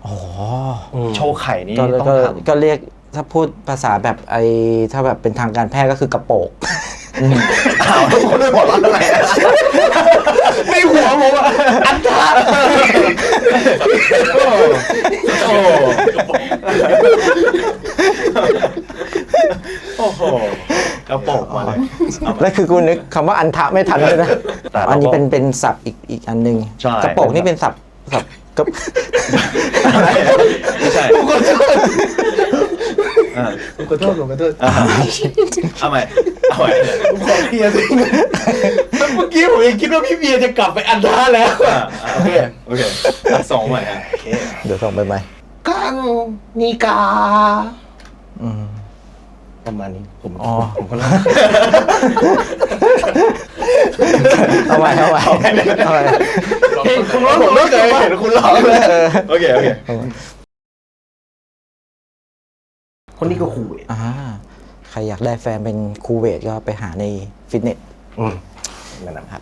อ๋อโชว์ไข่นี่ต้องทำก็เรียกถ้าพูดภาษาแบบถ้าแบบเป็นทางการแพทย์ก็คือกระโปงอ้าวคนไม่บอกว่าอะไรไม่หัวผมอ่ะอันทาโอ้โหกระโปงมาเลยแล้วคือกูนึกคำว่าอันทะไม่ทันเลยนะอันนี้เป็นศัพท์อีกอันหนึ่งกระโปงนี่เป็นศัพท์ก็ไม่ใช่ผมขอโทษเอาใหม่ผมขอเคลียร์สิเมื่อกี้ผมยังคิดว่าพี่เบียร์จะกลับไปอันท่าแล้วโอเคส่งใหม่เดี๋ยวส่งไปใหม่กังนิกาประมาณนี้ผมก็เล่าเอาใหม่คุณร้องผมไม่เคยเห็นคุณร้องเลยโอเคคนนี้ก็คูเวทใครอยากได้แฟนเป็นคูเวทก็ไปหาในฟิตเนสนั่นนะครับ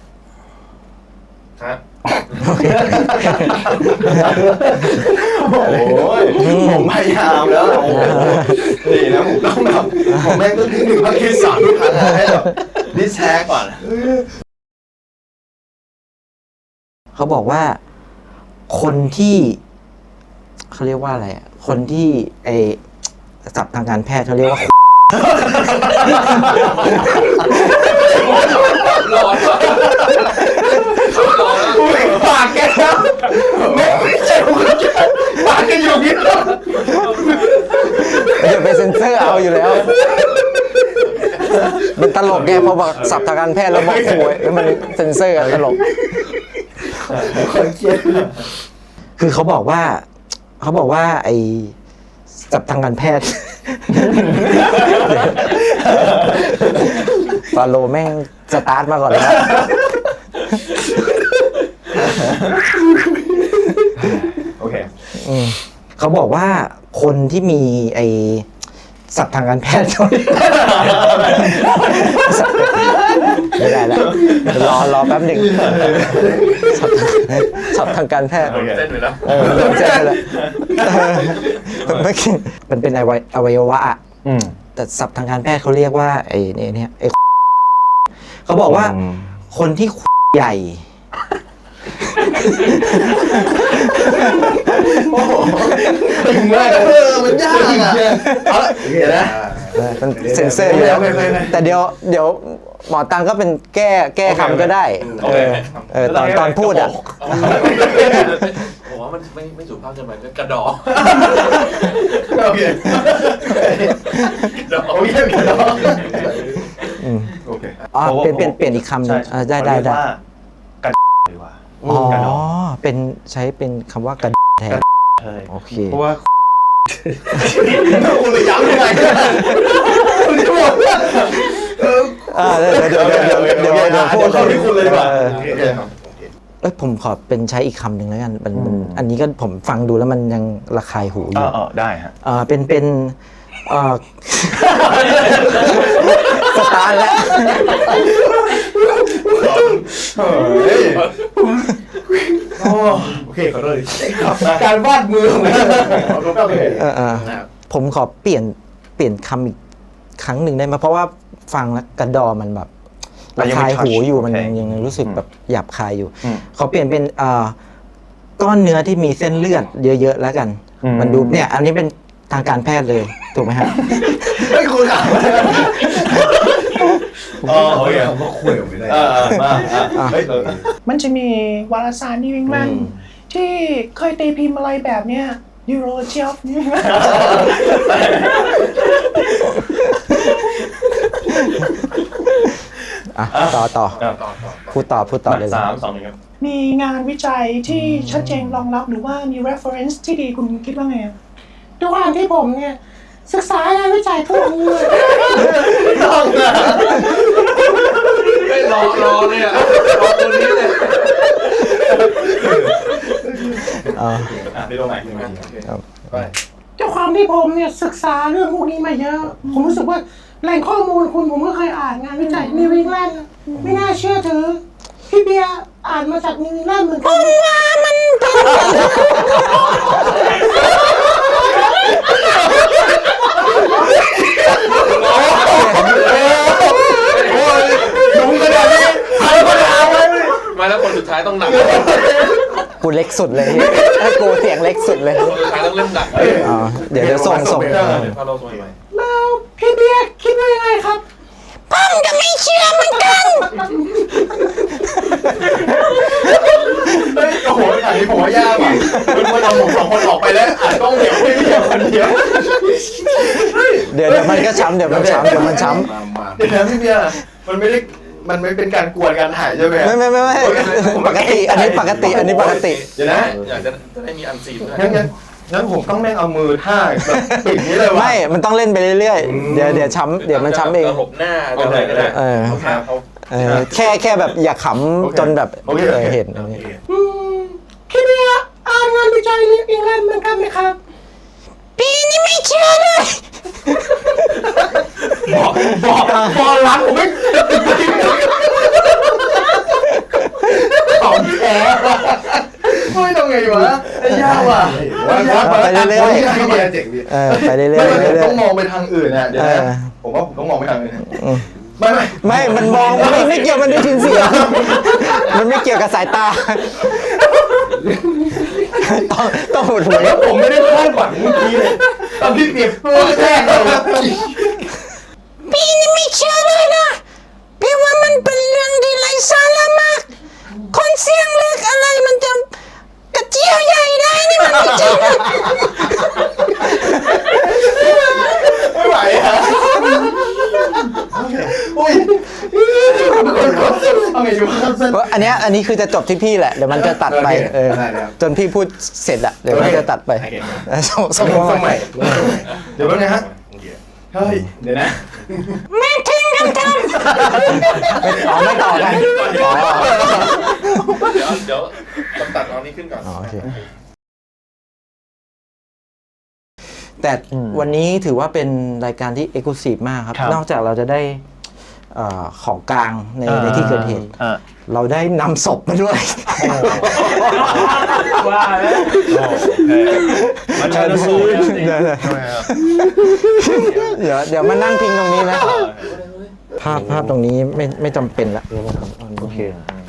โอ้ยผมพยายามแล้วนี่นะผมต้องแบบผมแม่งต้องถึงภาคที่3ทุกครั้งให้แบบดิสแท็กก่อนเขาบอกว่าคนที่เขาเรียกว่าอะไรคนที่ศัพท์ทางการแพทย์เขาเรียกว่าร้อนปากแกแล้วไม่ใช่ผมปากแกอยู่นี่เดี๋ยวไปเซ็นเซอร์เอาอยู่แล้วมันตลกแกพอบอกศัพท์ทางการแพทย์แล้วบอกโวยแล้วมันเซ็นเซอร์ตลกคือเขาบอกว่าไอ้ศัพท์ทางการแพทย์ฟาโลแม่งสตาร์ทมาก่อนแล้วโอเคเขาบอกว่าคนที่มีไอ้ศัพท์ทางการแพทย์ไม่ได้แล้วรอแป๊บหนึ่งศัพท์ทางการแพทย์เส้นไปแล้วเส้นไปแล้วมันเป็นอวัยวะแต่ศัพท์ทางการแพทย์เขาเรียกว่าไอ้เนี่ยเขาบอกว่าคนที่ใหญ่ตึงมากมันยากอ่ะเอาละเดี๋ยวนะมันเซ็นเซอร์อยู่แล้วแต่เดี๋ยวหมอตังก็เป็นแก้คำก็ได้ตอนพูดอ่ะผมว่ามันไม่สุภาพเกินไปก็กระดอโอเคกระดอโอเคเปลี่ยนอีกคำนึงได้กระดดีกว่าเป็นใช้เป็นคำว่ากระแทนโอเคเพราะว่าคุณไปย้ำยังไงคุณจะบอกเดี๋ยวพูดที่คุณเลยดีกว่าผมขอเป็นใช้อีกคำหนึ่งแล้วกันอันนี้ก็ผมฟังดูแล้วมันยังระคายหูอยู่ได้ฮะเป็นสตาร์แล้วโอเคขอโทษการวาดมือของผมขอเปลี่ยนคำอีกครั้งหนึ่งได้ไหมเพราะว่าฟังแล้วกระดอมันแบบระคายหูอยู่มันยังรู้สึกแบบหยาบคายอยู่ขอเปลี่ยนเป็นก้อนเนื้อที่มีเส้นเลือดเยอะๆแล้วกันมันดูเนี่ยอันนี้เป็นทางการแพทย์เลยถูกไหมฮะไม่คุยกันโอเคผมก็คุยไม่ได้มันจะมีวารสารนิวอิงแลนด์ที่เคยตีพิมพ์อะไรแบบเนี้ยยูโรเชียฟนี่ต่อพูดต่อเลย 3-2 ครับมีงานวิจัยที่ชัดเจนรองรับหรือว่ามี reference ที่ดีคุณคิดว่าไงด้วยความที่ผมเนี่ยศึกษางานวิจัยทั่วไปเลยต้องนะไม่รอเนี่ยรอตัวนี้เลยได้ลงใหม่ด้วยความที่ผมเนี่ยศึกษาเรื่องพวกนี้มาเยอะผมรู้สึกว่าแหล่งข้อมูลผมก็เคยอ่านงานวิจัยนิวอิงแลนด์ไม่น่าเชื่อถือพี่เบียร์อ่านมาจากนิวอิงแลนด์เหมือนกันว่ามันกูเล็กสุดเลยให้กูเสียงเล็กสุดเลยสุดท้ายต้องเริ่มดักอ๋อเดี๋ยวส่งเดี๋ยวพาเราส่งใหม่แล้วพี่เบียร์คิดว่ายังไงครับผมก็ไม่เชื่อเหมือนกันเฮ้ยโอ้โหอันนี้ผมว่ายากว่ะมันเอาผม2 คนออกไปแล้วอ่านต้องเดี๋ยวไม่เดียวคนเดียวเดี๋ยวมันก็ช้ำเดี๋ยวมันช้ำเดี๋ยวนะพี่เบียร์มันไม่เป็นการกวนการถ่ายใช่ไหมไม่ปกติอันนี้ปกติเดี๋ยวนะอยากจะได้มีอันซีนด้วยงั้นผมต้องแม่งเอามือท่าแบบปิดนี้เลยวะไม่มันต้องเล่นไปเรื่อยๆเดี๋ยวช้ำเดี๋ยวมันช้ำเองหลบหน้าอะไรก็ได้แค่แบบอย่าขำจนแบบเห็นพี่เบียร์อ่านงานวิจัยนิวอิงแลนด์เหมือนกันไหมครับปีนี้ไม่เชื่อเลยบอกหลังผมไม่ของแท้ไม่ต้องไงวะไอ้ยากว่ะไปเรื่อยๆพี่เบียร์เจ๋งดิไปเรื่อยไม่ต้องๆมองไปทางอื่นนะเดี๋ยวนะผมว่าผมต้องมองไปทางอื่นไม่มันมองไม่เกี่ยวมันได้ยินเสียงมันไม่เกี่ยวกับสายตาต้องหดหูแล้วผมไม่ได้คาดหวังเมื่อกี้เลยตอนพี่เบียร์พูดแรกเลยพี่นี่ไม่เชื่อเลยนะพี่ว่ามันเป็นเรื่องที่ไร้สาระมากคนเสียงเล็กอะไรมันจะกระเจียวใหญ่ได้นี่มันไม่จริงนะไม่ไหวฮะโอ้ยเอาไงดีวะอันนี้คือจะจบที่พี่แหละเดี๋ยวมันจะตัดไปจนพี่พูดเสร็จอะเดี๋ยวมันจะตัดไปส่งสมัยเดี๋ยวแป๊บนึงฮะเฮ้ยเดี๋ยวนะแม่ทิ้งกันทำไม่ต่อกันเดี๋ยวตัดเอานี้ขึ้นก่อนโอเคแต่วันนี้ถือว่าเป็นรายการที่เอ็กซ์คลูซีฟมากครับนอกจากเราจะได้ของกลางในที่เกิดเหตุเราได้นำศพมาด้วยว่าแล้วมันจะสูญเดี๋ยวมานั่งพิงตรงนี้นะภาพตรงนี้ไม่จำเป็นละโอเค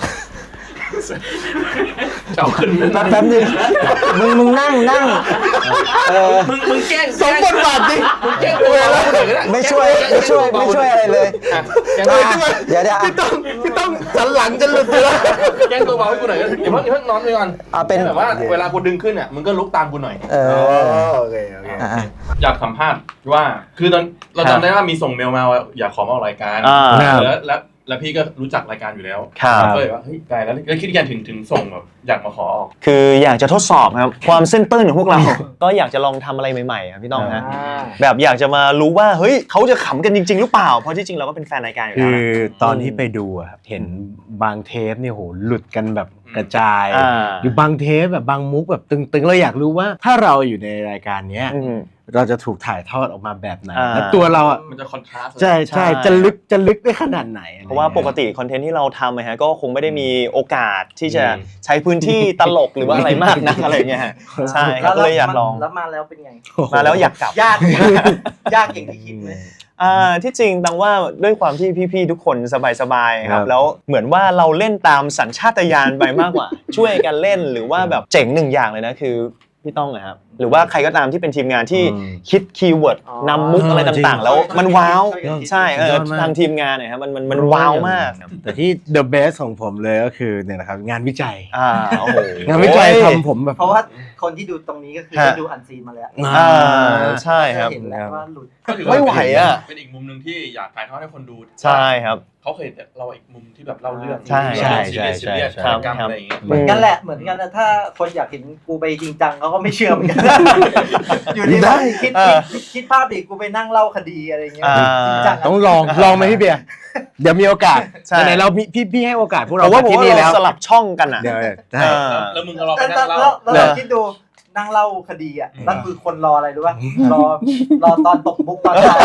เอาขึ้นแป๊บนึงมึงนั่งมึงแกล้งสมบทบาทดิมึงแกล้งตัวเราคนอื่นก็ได้ไม่ช่วยอะไรเลยเดี๋ยวพี่ต้องสันหลังจะหลุดอยู่แล้วแกล้งตัวเบาให้กูหน่อยก็เดี๋ยวเพิ่งนอนไปก่อนเป็นแบบว่าเวลากูดึงขึ้นอ่ะมึงก็ลุกตามกูหน่อยโอเคอยากสัมภาษณ์ว่าคือตอนเราจำได้ว่ามีส่งเมลมาว่าอยากขอมาออกรายการแล้วพี่ก็รู้จักรายการอยู่แล้วก็เลยว่าเฮ้ยไกลแล้วคิดกันถึงส่งแบบอยากมาขอออกคืออยากจะทดสอบครับความเส้นตื้นของพวกเรา ก็อยากจะลองทำอะไรใหม่ๆครับพี่ต้องนะแบบอยากจะมารู้ว่าเฮ้ยเขาจะขำกันจริงๆหรือเปล่าเพราะที่จริงเราก็เป็นแฟนรายการอยู่แล้วคือตอนที่ไปดูครับเห็นบางเทปเนี่ยโหหลุดกันแบบกระจายอยู่บางเทปแบบบางมุกแบบตึงๆเราอยากรู้ว่าถ้าเราอยู่ในรายการเนี้ยเราจะถูกถ่ายทอดออกมาแบบไหนแล้วตัวเราอ่ะมันจะคอนทราสต์ใช่จะลึกได้ขนาดไหนเพราะว่าปกติคอนเทนต์ที่เราทำนะฮะก็คงไม่ได้มีโอกาสที่จะใช้พื้นที่ตลกหรือว่าอะไรมากนักอะไรเงี้ยใช่ก็เลยอยากลองแล้วมาแล้วเป็นไงมาแล้วอยากกลับยากอย่างที่คิดไหมที่จริงดังว่าด้วยความที่พี่ๆทุกคนสบายๆครับแล้วเหมือนว่าเราเล่นตามสัญชาตญาณไปมากกว่า ช่วยกันเล่นหรือว่าแบบเจ๋งหนึ่งอย่างเลยนะคือพี่ต้องนะครับหรือว่าใครก็ตามที่เป็นทีมงานที่คิดคีย์เวิร์ดนำมุกอะไรต่างๆแล้วมันว้าวใช่ทางทีมงานเนี่ยครับมันว้าวมากแต่ที่ the best ของผมเลยก็คือเนี่ยนะครับงานวิจัยโอ้โหงานวิจัยทำผมแบบเพราะว่าคนที่ดูตรงนี้ก็คือได้ดูอันซีนมาแล้วใช่ครับเห็นแล้วว่าหลุดไม่ไหวอ่ะเป็นอีกมุมนึงที่อยากถ่ายทอดให้คนดูใช่ครับเขาเคยเราอีกมุมที่แบบเล่าเรื่องใช่อะไรอย่างเงี้ยเหมือนกันแหละเหมือนกันนะถ้าคนอยากเห็นกูไปจริงจังเขาก็ไม่เชื่อเหมือนกันอยู่ดีคิดภาพดิกูไปนั่งเล่าคดีอะไรเงี้ยต้องลองไหมพี่เบียร์เดี๋ยวมีโอกาสไหนเราพี่ให้โอกาสพวกเราที่นี่แล้วสลับช่องกันอ่ะแล้วมึงก็รอไปนั่งเล่าแล้วคิดดูนั่งเล่าคดีอ่ะนั่นคือคนรออะไรรู้ป่ะรอตอนตกมุกตอนท้าย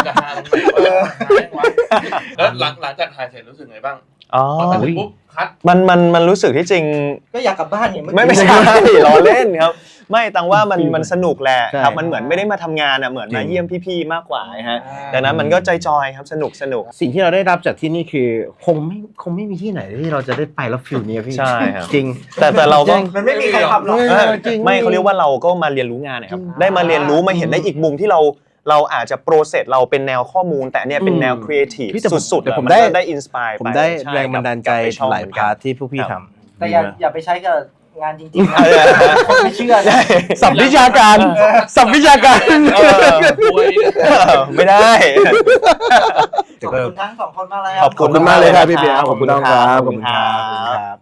แล้วหลังจากถ่ายเสร็จรู้สึกไงบ้างพอตัดปุ๊บคัดมันรู้สึกที่จริงก็อยากกลับบ้านเนี่ยไม่ใช่ล้อเล่นครับไม่ตังว่ามันสนุกแหละใช่ครับมันเหมือนไม่ได้มาทำงานอ่ะเหมือนมาเยี่ยมพี่ๆมากกว่าฮะดังนั้นมันก็จอยๆครับสนุกสิ่งที่เราได้รับจากที่นี่คือคงไม่มีที่ไหนที่เราจะได้ไปแล้วฟิลนี้พี่ใช่ครับจริงแต่เราก็มันไม่มีใครทำหรอกจริงไม่เขาเรียกว่าเราก็มาเรียนรู้งานนะครับได้มาเรียนรู้มาเห็นได้อีกมุมที่เราอาจจะโปรเซสเราเป็นแนวข้อมูล แต่เนี่ยเป็นแนวครีเอทีฟพี่แต่ผมสุดๆแต่ผมนได้ก็ได้อินสปายผมได้แรงบันดาลใจหลายพาร์ทที่พวกพี่ทำแต่อย่าไปใช้กับงานจริงๆนะคนไม่เชื่อนะสับวิชาการสับวิชาการไม่ได้ขอบคุณทั้งสองคนมากเลยขอบขอบคุณมากเลยครับพี่เบียร์ขอบคุณน้องครับขอบคุณครับ